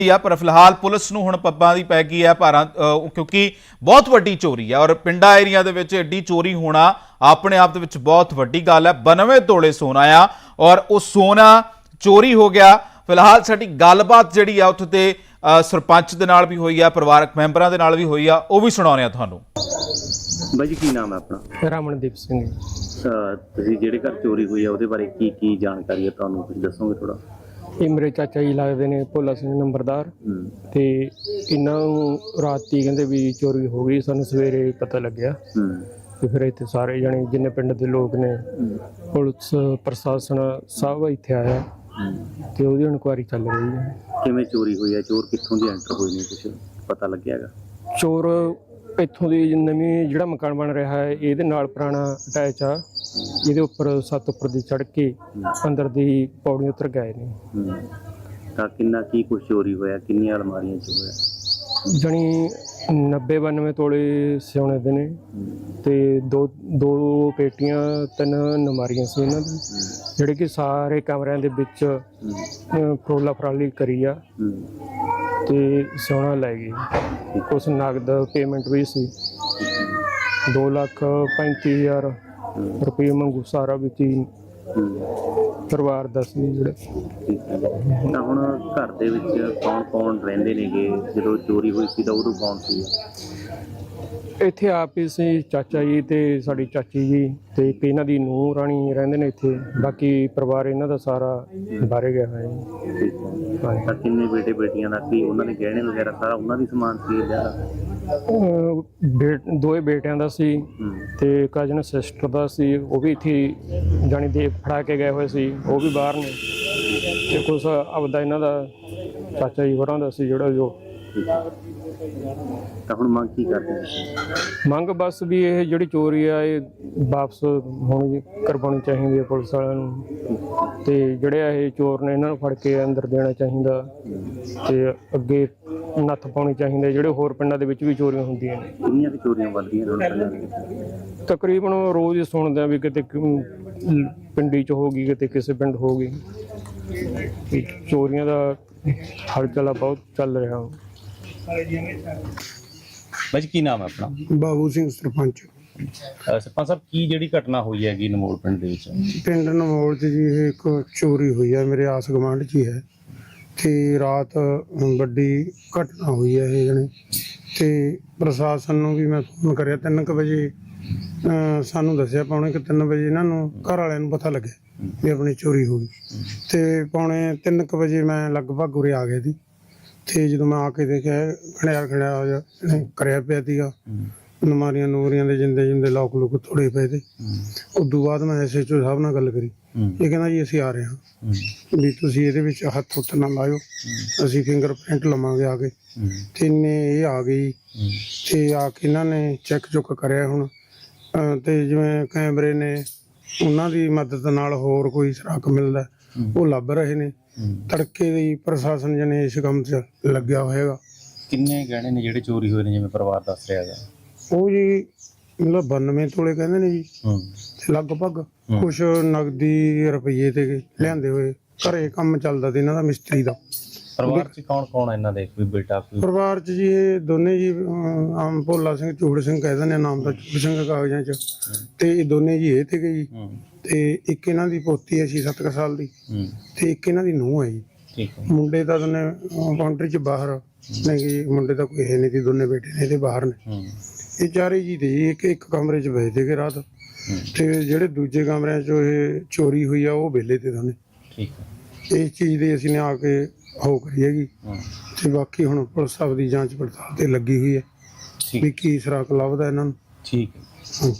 पर फिलहाल पुलिस नूं हुण पब्बां दी पै गई है भारां क्योंकि बहुत वड्डी चोरी है और पिंडा एरिया दे विच एड्डी चोरी होना अपने आप दे विच बहुत वड्डी गल है। 92 तोले सोना आ और वो सोना चोरी हो गया। फिलहाल साडी गलबात जिहड़ी आ उत्थे ते सरपंच दे नाल भी होई आ, परिवारक मैंबरां दे नाल भी होई आ, वो भी सुणाउने आ तुहानूं। ਬਾਈ ਜੀ ਕੀ ਨਾਮ ਹੈ ਆਪਣਾ? ਰਮਨਦੀਪ ਸਿੰਘ। ਤੁਸੀਂ ਜਿਹੜੇ ਘਰ ਚੋਰੀ ਹੋਈ ਹੈ ਉਹਦੇ ਬਾਰੇ ਕੀ ਜਾਣਕਾਰੀ ਹੈ ਤੁਹਾਨੂੰ, ਕੁਝ ਦੱਸੋਗੇ ਥੋੜਾ? ਇਹ ਮੇਰੇ ਚਾਚਾ ਜੀ ਲੱਗਦੇ ਨੇ, ਭੋਲਾ ਸਿੰਘ ਨੰਬਰਦਾਰ। ਤੇ ਇਹਨਾਂ ਨੂੰ ਰਾਤੀ ਕਹਿੰਦੇ ਵੀ ਚੋਰੀ ਹੋ ਗਈ, ਸਾਨੂੰ ਸਵੇਰੇ ਪਤਾ ਲੱਗਿਆ ਤੇ ਫਿਰ ਇੱਥੇ ਸਾਰੇ ਜਣੇ ਜਿੰਨੇ ਪਿੰਡ ਦੇ ਲੋਕ ਨੇ, ਪੁਲਿਸ ਪ੍ਰਸ਼ਾਸਨ ਸਭ ਇੱਥੇ ਆਇਆ ਤੇ ਉਹਦੀ ਇਨਕੁਆਇਰੀ ਚੱਲ ਰਹੀ ਹੈ। ਕਿਵੇਂ ਚੋਰੀ ਹੋਈ ਹੈ, ਚੋਰ ਕਿੱਥੋਂ ਦੀ ਐਂਟਰ ਹੋਏ ਨੇ, ਕੁਝ ਪਤਾ ਲੱਗਿਆ ਹੈਗਾ? ਚੋਰ ਇੱਥੋਂ ਦੀ ਨਵੀਂ ਜਿਹੜਾ ਮਕਾਨ ਬਣ ਰਿਹਾ ਹੈ ਇਹਦੇ ਨਾਲ ਪੁਰਾਣਾ ਅਟੈਚ ਆ, ਇਹਦੇ ਉੱਪਰ ਛੱਤ ਉੱਪਰ ਦੀ ਚੜ੍ਹ ਕੇ ਅੰਦਰ ਦੀ ਪੌੜੀ ਉਤਰ ਗਏ ਨੇ। ਤਾਂ ਕਿੰਨਾ ਕੀ ਕੁਝ ਚੋਰੀ ਹੋਇਆ, ਕਿੰਨੀਆਂ ਅਲਮਾਰੀਆਂ 'ਚ ਹੋਇਆ? ਜਣੀ 90-92 ਤੋਲੇ ਸੋਨੇ ਦੇ ਨੇ ਤੇ ਦੋ ਪੇਟੀਆਂ, 3 ਨਮਾਰੀਆਂ ਸੀ ਇਹਨਾਂ ਦੀ, ਜਿਹੜੇ ਕਿ ਸਾਰੇ ਕਮਰਿਆਂ ਦੇ ਵਿੱਚ ਫਰੋਲਾ ਫਰਾਲੀ ਕਰੀ ਆ ਤੇ ਸੋਨਾ ਲੈ ਗਏ। ਕੁਛ ਨਗਦ ਪੇਮੈਂਟ ਵੀ ਸੀ, 2,35,000 ਰੁਪਏ ਮੰਗੂ ਸਾਰਾ ਵਿੱਚ ਹੀ ਪਰਿਵਾਰ ਦਾ ਸੀ ਜਿਹੜੇ। ਤਾਂ ਹੁਣ ਘਰ ਦੇ ਵਿੱਚ ਕੌਣ ਰਹਿੰਦੇ ਨੇਗੇ? ਜਦੋਂ ਚੋਰੀ ਹੋਈ ਸੀ ਤਾਂ ਉਦੋਂ ਕੌਣ ਸੀ? ਇੱਥੇ ਆਪ ਹੀ ਸੀ, ਚਾਚਾ ਜੀ ਤੇ ਸਾਡੀ ਚਾਚੀ ਜੀ ਤੇ ਇੱਕ ਇਹਨਾਂ ਦੀ ਨੂੰਹ ਰਾਣੀ ਰਹਿੰਦੇ ਨੇ ਇੱਥੇ। ਬਾਕੀ ਪਰਿਵਾਰ ਇਹਨਾਂ ਦਾ ਸਾਰਾ ਬਾਹਰ ਗਿਆ ਹੋਇਆ ਹੈ। ਤਾਂ ਕਿੰਨੇ ਬੇਟੇ ਬੇਟੀਆਂ ਦਾ ਕੀ ਉਹਨਾਂ ਦੇ ਗਹਿਣੇ ਵਗੈਰਾ ਸਾਰਾ ਉਹਨਾਂ ਦੀ ਸਮਾਨ ਸੀ ਜਾਂ? ਦੋਏ ਬੇਟਿਆਂ ਦਾ ਸੀ ਤੇ ਕਜ਼ਨ ਸਿਸਟਰ ਦਾ ਸੀ, ਉਹ ਵੀ ਇੱਥੇ ਜਾਣੀ ਦੇ ਫੜਾ ਕੇ ਗਏ ਹੋਏ ਸੀ, ਉਹ ਵੀ ਬਾਹਰ ਨੇ। ਤੇ ਕੁਛ ਆਪਦਾ ਇਹਨਾਂ ਦਾ ਚਾਚਾ ਜੀ ਹੋਰਾਂ ਦਾ ਸੀ ਜਿਹੜਾ ਜੋ। ਤਾਂ ਹੁਣ ਮੰਗ ਕੀ ਕਰਦੇ ਨੇ? ਮੰਗ ਬਸ ਵੀ ਇਹ ਜਿਹੜੀ ਚੋਰੀ ਆ ਇਹ ਵਾਪਸ ਹੋਣੀ ਕਰਵਾਉਣੀ ਚਾਹੀਦੀ ਹੈ ਪੁਲਿਸ ਵਾਲਿਆਂ ਨੂੰ, ਤੇ ਜਿਹੜੇ ਇਹ ਚੋਰ ਨੇ ਇਹਨਾਂ ਨੂੰ ਫੜ ਕੇ ਅੰਦਰ ਦੇਣਾ ਚਾਹੀਦਾ ਤੇ ਅੱਗੇ ਨੱਥ ਪਾਉਣੀ ਚਾਹੀਦੀ। ਜਿਹੜੇ ਹੋਰ ਪਿੰਡਾਂ ਦੇ ਵਿੱਚ ਵੀ ਚੋਰੀਆਂ ਹੁੰਦੀਆਂ ਨੇ। ਕਿੰਨੀਆਂ ਕੁ ਚੋਰੀਆਂ ਵੱਧਦੀਆਂ ਨੇ? ਤਕਰੀਬਨ ਰੋਜ਼ ਹੀ ਸੁਣਦੇ ਆ ਵੀ ਕਿਤੇ ਪਿੰਡੀ 'ਚ ਹੋ ਗਈ, ਕਿਤੇ ਕਿਸੇ ਪਿੰਡ ਹੋ ਗਈ। ਚੋਰੀਆਂ ਦਾ ਹਲਚਲਾ ਬਹੁਤ ਚੱਲ ਰਿਹਾ। ਬਾਈ ਕੀ ਨਾਮ ਹੈ ਆਪਣਾ? ਬਾਬੂ ਸਿੰਘ ਸਰਪੰਚ। ਸਰਪੰਚ ਸਾਹਿਬ, ਕੀ ਜਿਹੜੀ ਘਟਨਾ ਹੋਈ ਹੈਗੀ ਨਮੋਲ ਪਿੰਡ ਦੇ ਵਿੱਚ? ਪਿੰਡ ਨਮੋਲ 'ਚ ਜੀ ਇਹ ਇੱਕ ਚੋਰੀ ਹੋਈ ਹੈ, ਮੇਰੇ ਆਸ ਗੁਆਂਢ 'ਚ ਹੀ ਹੈ ਤੇ ਰਾਤ ਵੱਡੀ ਘਟਨਾ ਹੋਈ ਹੈ ਇਹ ਜਣੇ। ਤੇ ਪ੍ਰਸ਼ਾਸਨ ਨੂੰ ਵੀ ਮੈਂ ਫੋਨ ਕਰਿਆ 3 ਵਜੇ, ਸਾਨੂੰ ਦੱਸਿਆ 2:45 ਵਜੇ ਇਹਨਾਂ ਨੂੰ ਘਰ ਵਾਲਿਆਂ ਨੂੰ ਪਤਾ ਲੱਗਿਆ ਵੀ ਆਪਣੀ ਚੋਰੀ ਹੋ ਗਈ। ਤੇ 2:45 ਵਜੇ ਮੈਂ ਲਗਭਗ ਉਰੇ ਆ ਗਿਆ ਸੀ ਤੇ ਜਦੋਂ ਮੈਂ ਆ ਕੇ ਦੇਖਿਆ ਖੜਿਆ ਕਰਿਆ ਪਿਆ ਸੀਗਾ, ਨਮਾਰੀਆਂ ਨੂਰੀਆਂ ਦੇ ਜਿੰਦੇ ਲੋਕ ਤੋੜੇ ਪਏ ਤੇ। ਉਦੋਂ ਬਾਅਦ ਮੈਂ SHO ਸਾਹਿਬ ਨਾਲ ਗੱਲ ਕਰੀ, ਇਹ ਕਹਿੰਦਾ ਜੀ ਅਸੀਂ ਆ ਰਹੇ ਹਾਂ ਵੀ ਤੁਸੀਂ ਇਹਦੇ ਵਿੱਚ ਹੱਥ ਹੁੱਥ ਨਾ ਲਾਇਓ, ਅਸੀਂ ਫਿੰਗਰਪ੍ਰਿੰਟ ਲਵਾਂਗੇ ਆ ਕੇ। ਤੇ ਇਹ ਆ ਗਈ ਤੇ ਆ ਕੇ ਇਹਨਾਂ ਨੇ ਚੈੱਕ ਚੁੱਕ ਕਰਿਆ ਹੁਣ, ਤੇ ਜਿਵੇਂ ਕੈਮਰੇ ਨੇ ਉਹਨਾਂ ਦੀ ਮਦਦ ਨਾਲ ਹੋਰ ਕੋਈ ਸੁਰਾਖ ਮਿਲਦਾ ਉਹ ਲੱਭ ਰਹੇ ਨੇ। ਤੜਕੇ ਦੀ ਪ੍ਰਸ਼ਾਸਨ ਜਨੇ ਇਸ ਕੰਮ 'ਚ ਲੱਗਿਆ ਹੋਏਗਾ। ਕਿੰਨੇ ਗਹਿਣੇ ਨੇ ਜਿਹੜੇ ਚੋਰੀ ਹੋਏ ਨੇ, ਜਿਵੇਂ ਪਰਿਵਾਰ ਦੱਸ ਰਿਹਾ ਹੈਗਾ? ਉਹ ਜੀ ਮਤਲਬ 92 ਤੋਲੇ ਕਹਿੰਦੇ ਨੇ ਜੀ, ਤੇ ਲਗਭਗ ਕੁਛ ਨਗਦੀ ਰੁਪਈਏ ਤੇ ਲਿਆਂਦੇ ਹੋਏ। ਘਰੇ ਕੰਮ ਚੱਲਦਾ ਤੇ ਇਹਨਾਂ ਦਾ ਮਿਸਤਰੀ ਦਾ। ਪਰਿਵਾਰ 'ਚ ਕੌਣ ਹੈ ਇਹਨਾਂ ਦੇ? ਕੋਈ ਬੇਟਾ? ਪਰਿਵਾਰ 'ਚ ਜੀ ਇਹ ਦੋਨੇ ਜੀ, ਆਮ ਭੋਲਾ ਸਿੰਘ ਚੂੜ ਸਿੰਘ ਕਹਿ ਦਿੰਦੇ ਨਾਮ ਦਾ, ਚੂੜ ਸਿੰਘ ਕਾਗਜ਼ਾਂ 'ਚ, ਤੇ ਇਹ ਦੋਨੇ ਜੀ ਇਹ ਤੇ ਗਈ। ਤੇ ਇੱਕ ਇਹਨਾਂ ਦੀ ਪੋਤੀ ਹੈ 6-7 ਸਾਲ ਦੀ, ਤੇ ਇੱਕ ਇਹਨਾਂ ਦੀ ਨੂੰਹ ਹੈ ਜੀ। ਮੁੰਡੇ ਤਾਂ ਦੋਨੇ ਕਾਉਂਟਰੀ 'ਚ ਬਾਹਰ ਨੇ ਜੀ, ਮੁੰਡੇ ਤਾਂ ਕੋਈ ਹੈ ਨਹੀਂ ਸੀ, ਦੋਨੇ ਬੇਟੇ ਨੇ ਇਹਦੇ ਬਾਹਰ ਨੇ। ਇਹ ਚਾਰੇ ਜੀ ਤੇ ਜੀ ਇੱਕ ਕਮਰੇ 'ਚ ਬੈਠੇ ਸੀਗੇ ਰਾਤ, ਤੇ ਜਿਹੜੇ ਦੂਜੇ ਕਮਰਿਆਂ 'ਚ ਇਹ ਚੋਰੀ ਹੋਈ ਆ ਉਹ ਵਿਹਲੇ ਤੇ ਦੋਨੇ। ਇਸ ਚੀਜ਼ ਦੀ ਅਸੀਂ ਨੇ ਆ ਕੇ ਹੋ ਕਰੀ ਹੈਗੀ, ਤੇ ਬਾਕੀ ਹੁਣ ਪੁਲਿਸ ਸਾਹਿਬ ਦੀ ਜਾਂਚ ਪੜਤਾਲ ਤੇ ਲੱਗੀ ਹੋਈ ਹੈ ਵੀ ਕੀ ਸੁਰਾਖ ਲੱਭਦਾ ਇਹਨਾਂ ਨੂੰ। ਠੀਕ ਹੈ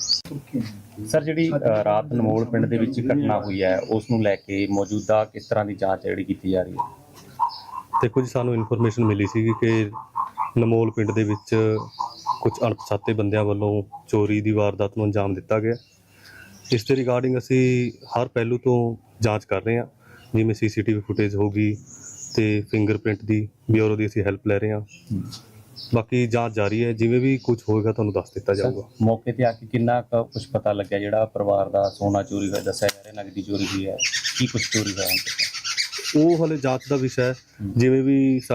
ਸਰ, ਜਿਹੜੀ ਰਾਤ ਨਮੋਲ ਪਿੰਡ ਦੇ ਵਿੱਚ ਘਟਨਾ ਹੋਈ ਹੈ ਉਸ ਨੂੰ ਲੈ ਕੇ ਮੌਜੂਦਾ ਕਿਸ ਤਰ੍ਹਾਂ ਦੀ ਜਾਂਚ ਜਿਹੜੀ ਕੀਤੀ ਜਾ ਰਹੀ ਹੈ? ਦੇਖੋ ਜੀ, ਸਾਨੂੰ ਇਨਫੋਰਮੇਸ਼ਨ ਮਿਲੀ ਸੀ ਕਿ ਨਮੋਲ ਪਿੰਡ ਦੇ ਵਿੱਚ ਕੁਝ ਅਣਪਛਾਤੇ ਬੰਦਿਆਂ ਵੱਲੋਂ ਚੋਰੀ ਦੀ ਵਾਰਦਾਤ ਨੂੰ ਅੰਜਾਮ ਦਿੱਤਾ ਗਿਆ। ਇਸ ਦੇ ਰਿਗਾਰਡਿੰਗ ਅਸੀਂ ਹਰ ਪਹਿਲੂ ਤੋਂ ਜਾਂਚ ਕਰ ਰਹੇ ਹਾਂ, ਜਿਵੇਂ CCTV ਫੁਟੇਜ ਹੋ ਗਈ ਤੇ ਫਿੰਗਰਪ੍ਰਿੰਟ ਦੀ ਬਿਊਰੋ ਦੀ ਅਸੀਂ ਹੈਲਪ ਲੈ ਰਹੇ ਹਾਂ। ਬਾਕੀ ਜਾਂਚ ਜਾਰੀ ਹੈ, ਜਿਵੇਂ ਵੀ ਕੁਝ ਹੋਏਗਾ ਤੁਹਾਨੂੰ ਦੱਸ ਦਿੱਤਾ ਜਾਊਗਾ। ਮੌਕੇ ਤੇ ਆ ਕੇ ਕਿੰਨਾ ਕੁਝ ਪਤਾ ਲੱਗਿਆ? ਜਿਹੜਾ ਪਰਿਵਾਰ ਦਾ ਸੋਨਾ ਚੋਰੀ ਹੋਇਆ ਦੱਸਿਆ ਜਾ ਰਿਹਾ, ਨਗਦੀ ਚੋਰੀ ਹੋਈ ਹੈ, ਕੀ ਕੁਝ ਚੋਰੀ ਹੋਇਆ? ਉਹ ਹਲੇ ਜਾਂਚ ਦਾ ਵਿਸ਼ਾ ਹੈ, ਜਿਵੇਂ ਵੀ